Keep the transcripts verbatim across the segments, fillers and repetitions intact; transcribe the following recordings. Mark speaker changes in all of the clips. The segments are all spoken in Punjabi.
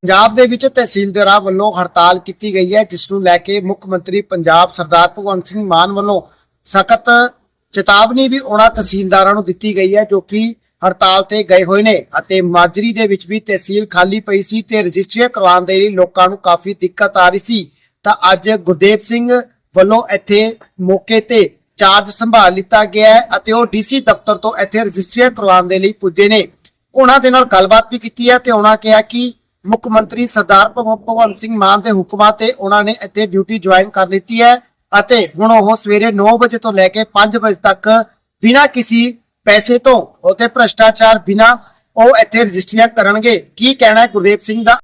Speaker 1: पंजाब दे विच तहसीलदारां वल्लों हड़ताल की गई है, जिसनूं लैके मुख मंत्री पंजाब सरदार भगवंत सिंह मान वल्लों सख्त चेतावनी भी उन्हां तहसीलदारां नूं दित्ती गई है जो कि हड़ताल ते गए होए ने अते माजरी दे विच भी तहसील खाली पई सी ते रजिस्ट्रियां करवाउण दे लई लोकां नूं काफी दिक्कत आ रही सी। तां अज गुरदेव सिंह वल्लों इत्थे मौके ते चार्ज संभाल लिता गया है अते ओह डीसी दफ्तर तो इत्थे रजिस्ट्रियां करवाउण दे लई पुज्जे ने। उन्हां दे नाल गलबात भी कीती है ते उन्हां कहा कि मुख मंत्री सरदार भगवंत सिंह मान के हुक्मां ते उन्हां ने इत्थे ड्यूटी ज्वाइन कर ली है अते हुण ओह सवेरे नौ बजे तो लैके पांच बजे तक बिना किसी पैसे तो उते भ्रष्टाचार बिना ओह इत्थे रजिस्ट्रियां करनगे। की कहना है गुरदेव सिंह दा?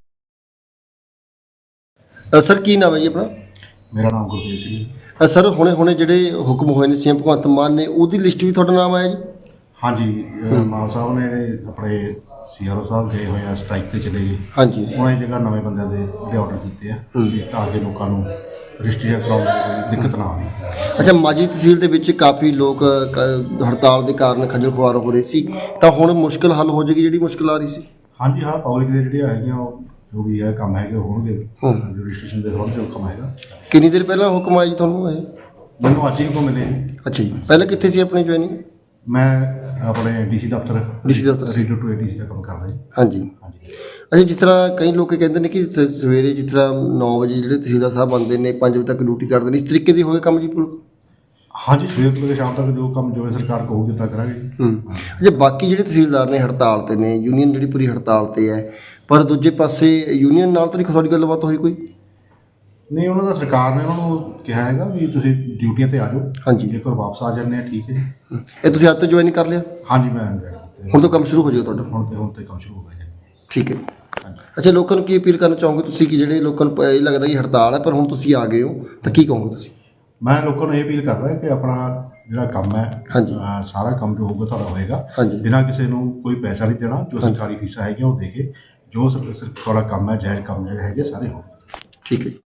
Speaker 2: सर की नाम है जी अपना?
Speaker 3: मेरा नाम गुरदेव सिंह।
Speaker 2: सर हुणे हुणे जिहड़े हुक्म होए ने सीएम भगवंत मान ने ओहदी लिस्ट भी तुहाडा नाम आया जी?
Speaker 3: हाँ जी, मान साहब ने अपने सी आर ओ साहब गए हुए हैं, स्ट्राइक ते चले गए।
Speaker 2: हाँ जी,
Speaker 3: उन्होंने जगह नवे बंदे दे ਜਿਹੜੇ ਆਰਡਰ ਕੀਤੇ ਆ ਤਾਂ ਕਿ ਲੋਕਾਂ ਨੂੰ ਰਜਿਸਟਰੀ ਕਰਾਉਣ ਦੀ ਦਿੱਕਤ ਨਾ ਆਵੇ।
Speaker 2: ਅੱਛਾ, ਮਾਜੀ ਤਹਿਸੀਲ ਦੇ ਵਿੱਚ ਕਾਫੀ ਲੋਕ ਕ- ਹੜਤਾਲ ਦੇ ਕਾਰਨ ਖੱਜਲ ਖੁਆਰ ਹੋ ਰਹੇ ਸੀ, ਤਾਂ ਹੁਣ ਮੁਸ਼ਕਲ ਹੱਲ ਹੋ ਜਾਏਗੀ ਜਿਹੜੀ ਮੁਸ਼ਕਲ ਆ ਰਹੀ ਸੀ?
Speaker 3: ਹਾਂਜੀ ਹਾਂ, ਪਬਲਿਕ ਦੇ ਜਿਹੜੇ ਹੈਗੀਆਂ ਉਹ ਜੋ ਵੀ ਹੈ ਕੰਮ ਹੈਗੇ ਉਹ ਹੋਣਗੇ।
Speaker 2: ਹੂੰ।
Speaker 3: ਰਜਿਸਟ੍ਰੇਸ਼ਨ ਦੇ ਸੰਬੰਧ ਜੋ ਕੰਮ ਹੈਗਾ
Speaker 2: ਕਿੰਨੀ ਦੇਰ ਪਹਿਲਾਂ ਹੁਕਮ ਆਇਆ ਜੀ ਤੁਹਾਨੂੰ ਇਹ?
Speaker 3: ਮੈਨੂੰ ਅੱਜ ਹੀ ਕੋ ਮਿਲੇ।
Speaker 2: ਅੱਛਾ ਜੀ, ਪਹਿਲਾਂ ਕਿੱਥੇ ਸੀ ਆਪਣੀ ਜੁਆਇਨਿੰਗ?
Speaker 3: ਮੈਂ ਆਪਣੇ ਡੀਸੀ ਦਫ਼ਤਰ
Speaker 2: ਡੀਸੀ ਦਫ਼ਤਰ ਸੀ।
Speaker 3: ਰੇਡੀਓ ਟੂ ਡੀਸੀ ਦਾ ਕੰਮ ਕਰਦਾ ਜੀ।
Speaker 2: ਹਾਂਜੀ
Speaker 3: ਹਾਂਜੀ।
Speaker 2: ਅੱਛਾ, ਜਿਸ ਤਰ੍ਹਾਂ ਕਈ ਲੋਕ ਕਹਿੰਦੇ ਨੇ ਕਿ ਸ- ਸਵੇਰੇ ਜਿਸ ਤਰ੍ਹਾਂ ਨੌ ਵਜੇ ਜਿਹੜੇ ਤਹਿਸੀਲਦਾਰ ਸਾਹਿਬ ਆਉਂਦੇ ਨੇ ਪੰਜ ਵਜੇ ਤੱਕ ਡਿਊਟੀ ਕਰਦੇ ਨੇ, ਇਸ ਤਰੀਕੇ ਦੀ ਹੋਏ ਕੰਮ ਜੀ ਪੂਰਾ?
Speaker 3: ਹਾਂਜੀ, ਸਵੇਰ ਤੋਂ ਲੈ ਕੇ ਸ਼ਾਮ ਤੱਕ ਜੋ ਕੰਮ ਜੋ ਸਰਕਾਰ ਕਹੂਗੀ ਤਾਂ ਕਰਾਂਗੇ ਜੀ।
Speaker 2: ਹੂੰ। ਅੱਛਾ, ਬਾਕੀ ਜਿਹੜੇ ਤਹਿਸੀਲਦਾਰ ਨੇ ਹੜਤਾਲ ਤੇ ਨੇ, ਯੂਨੀਅਨ ਜਿਹੜੀ ਪੂਰੀ ਹੜਤਾਲ ਤੇ ਹੈ, ਪਰ ਦੂਜੇ ਪਾਸੇ ਯੂਨੀਅਨ ਨਾਲ ਤਾਂ ਨਹੀਂ ਤੁਹਾਡੀ ਗੱਲਬਾਤ ਹੋਈ ਕੋਈ?
Speaker 3: ਨਹੀਂ, ਉਹਨਾਂ ਦਾ ਸਰਕਾਰ ਨੇ ਉਹਨਾਂ ਨੂੰ ਕਿਹਾ ਹੈਗਾ ਵੀ ਤੁਸੀਂ ਡਿਊਟੀਆਂ ਤੇ ਆ ਜਾਓ।
Speaker 2: ਹਾਂਜੀ।
Speaker 3: ਜੇਕਰ ਵਾਪਸ ਆ ਜਾਂਦੇ ਆ ਠੀਕ ਹੈ ਜੀ।
Speaker 2: ਇਹ ਤੁਸੀਂ ਅੱਜ ਤੋਂ ਜੁਆਇਨ ਕਰ ਲਿਆ?
Speaker 3: ਹਾਂਜੀ, ਮੈਂ join ਕੀਤਾ।
Speaker 2: ਹੁਣ ਤੋਂ ਕੰਮ ਸ਼ੁਰੂ ਹੋ ਜਾਏਗਾ ਤੁਹਾਡਾ?
Speaker 3: ਹੁਣ ਤੇ ਹੁਣ ਤੇ ਕੰਮ ਸ਼ੁਰੂ ਹੋ ਗਿਆ ਜੀ।
Speaker 2: ਠੀਕ ਹੈ।
Speaker 3: ਹਾਂਜੀ।
Speaker 2: ਅੱਛਾ, ਲੋਕਾਂ ਨੂੰ ਕੀ ਅਪੀਲ ਕਰਨਾ ਚਾਹੋਗੇ ਤੁਸੀਂ ਕਿ ਜਿਹੜੇ ਲੋਕਾਂ ਨੂੰ ਪ- ਇਹ ਲੱਗਦਾ ਕਿ ਹੜਤਾਲ ਹੈ ਪਰ ਹੁਣ ਤੁਸੀਂ ਆ ਗਏ ਹੋ, ਤਾਂ ਕੀ ਕਹੋਗੇ ਤੁਸੀਂ?
Speaker 3: ਮੈਂ ਲੋਕਾਂ ਨੂੰ ਇਹ ਅਪੀਲ ਕਰਦਾ ਕਿ ਆਪਣਾ ਜਿਹੜਾ ਕੰਮ ਹੈ
Speaker 2: ਹਾਂਜੀ।
Speaker 3: ਅਹ ਸਾਰਾ ਕੰਮ ਜੋ ਹੋਊਗਾ ਤੁਹਾਡਾ ਹੋਏਗਾ
Speaker 2: ਹਾਂਜੀ।
Speaker 3: ਬਿਨਾਂ ਕਿਸੇ ਨੂੰ ਕੋਈ ਪੈਸਾ ਨਹੀਂ ਦੇਣਾ। ਜੋ
Speaker 2: ਹਾਂਜੀ।
Speaker 3: ਸਰਕਾਰੀ ਫੀਸਾਂ ਹੈਗੀਆਂ ਉਹ ਦੇ ਕੇ ਜੋ ਸਰ- ਸਰ- ਤੁਹਾਡਾ ਕੰਮ ਹੈ ਜਾਇਜ਼ ਕੰਮ ਜਿਹੜੇ ਹੈਗੇ ਸਾਰੇ ਹੋਣਗੇ।
Speaker 2: ਠੀਕ ਹੈ ਜੀ।